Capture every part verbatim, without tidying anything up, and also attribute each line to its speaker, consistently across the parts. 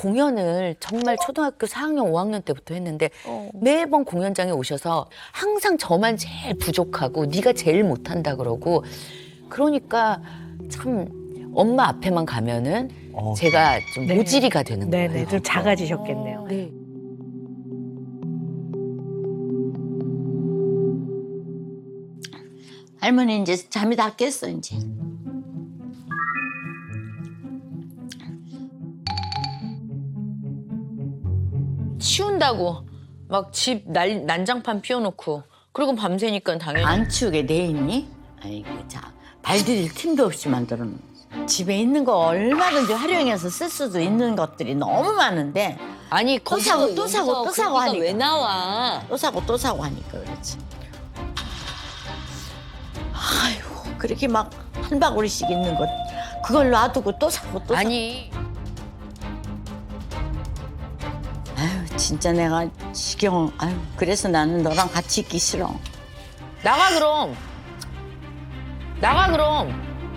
Speaker 1: 공연을 정말 초등학교 사 학년, 오 학년 때부터 했는데
Speaker 2: 어.
Speaker 1: 매번 공연장에 오셔서 항상 저만 제일 부족하고 네가 제일 못한다 그러고 그러니까 참 엄마 앞에만 가면은
Speaker 3: 어.
Speaker 1: 제가 좀
Speaker 2: 네.
Speaker 1: 모질이가 되는 거예요.
Speaker 2: 네네, 좀 작아지셨겠네요.
Speaker 1: 네.
Speaker 4: 할머니 이제 잠이 다 깼어 이제.
Speaker 5: 치운다고 막 집 난장판 피워놓고 그리고 밤새니까 당연히
Speaker 4: 안 치우게 돼 있니? 아이고 자 발디딜 틈도 없이 만들어 놓은 집에 있는 거 얼마든지 활용해서 쓸 수도 있는 것들이 너무 많은데
Speaker 5: 아니
Speaker 4: 또 사고 또 사고 또 사고 하니까
Speaker 5: 왜 나와?
Speaker 4: 또 사고 또 사고 하니까 그렇지. 아이고 그렇게 막 한 바구리씩 있는 것 그걸 놔두고 또 사고 또 사고.
Speaker 5: 아니
Speaker 4: 아유 진짜 내가 지겨워. 아유 그래서 나는 너랑 같이 있기 싫어.
Speaker 5: 나가 그럼 나가 그럼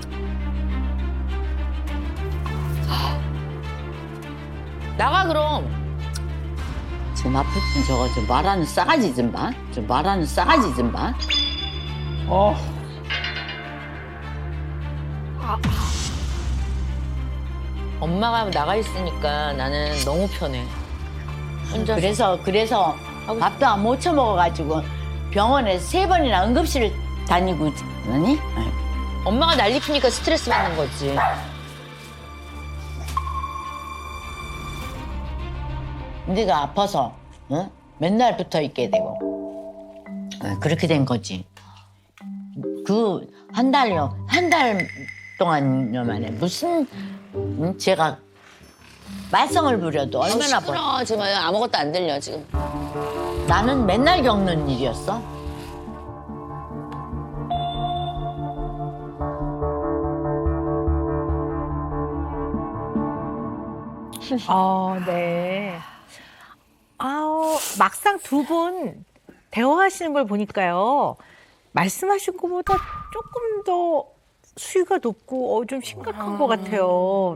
Speaker 5: 나가 그럼
Speaker 4: 저 나쁜 저거 저 말하는 싸가지 좀 봐. 저 말하는 싸가지 좀 봐.
Speaker 3: 어.
Speaker 5: 엄마가 나가 있으니까 나는 너무 편해 혼자
Speaker 4: 그래서 그래서 밥도 안 못 처먹어가지고 병원에 세 번이나 응급실을 다니고 그러니?
Speaker 5: 엄마가 난리 피니까 스트레스 받는 거지
Speaker 4: 네가 아파서 어? 맨날 붙어 있게 되고 어, 그렇게 된 거지. 그 한 달요 한 달 동안요 만에 무슨 응? 제가 말썽을 부려도 얼마나 버
Speaker 5: 시끄러워 지금 아무것도 안 들려 지금
Speaker 4: 나는 맨날 겪는 일이었어.
Speaker 2: 아, 네. 아우, 막상 두 분 대화하시는 걸 보니까요. 말씀하신 것보다 조금 더 수위가 높고 어, 좀 심각한 것 같아요.